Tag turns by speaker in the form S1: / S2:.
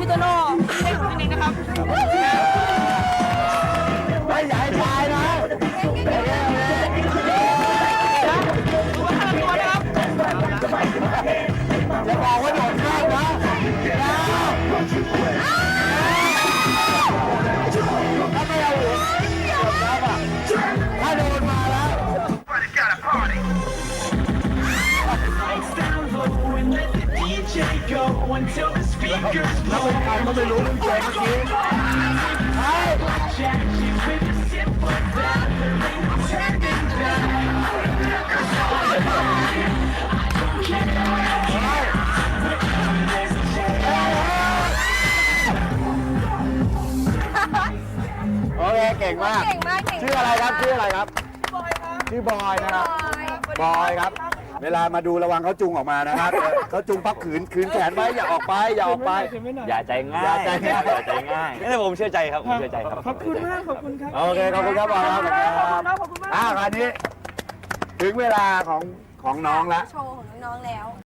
S1: พี่โตโน่พี่เล็กของพี่เล็กนะครับ
S2: ไม่ใหญ่ชายนะ
S1: ตัวห้าตัวนะครับ
S2: จะบอกว่าโดดข้ามนะถ้าไม่เอาหัวถ้าโดนมาแล้ว แล้วใครก็ไม่รู้มันเจ๋งจริงใช่โอเคเก่งมาก
S3: เก่งมากเก่ง
S2: ชื่ออะไรครับชื่ออะไรครับ
S1: บอยครับ
S2: ชื่อบอยนะครับ
S3: บอย
S2: บอยครับ เวลามาดูระวังเขาจุงออกมานะครับเขาจุงพับขืนแขนไว้อย่าออกไปอย่าออกไป
S4: อย่าใจง่าย
S2: อย่าใจง่าย
S4: อย่าใจง่ายนี่ผมเชื่อใจครับผมเชื่อใจครับ
S1: ขอบคุณมากขอบคุณครับ
S2: โอเคขอบคุณครับบอยครับ
S1: ขอบคุณมาก
S2: คราวนี้ถึงเวลาของน้องละ
S3: โชว์ของน้องๆแล้ว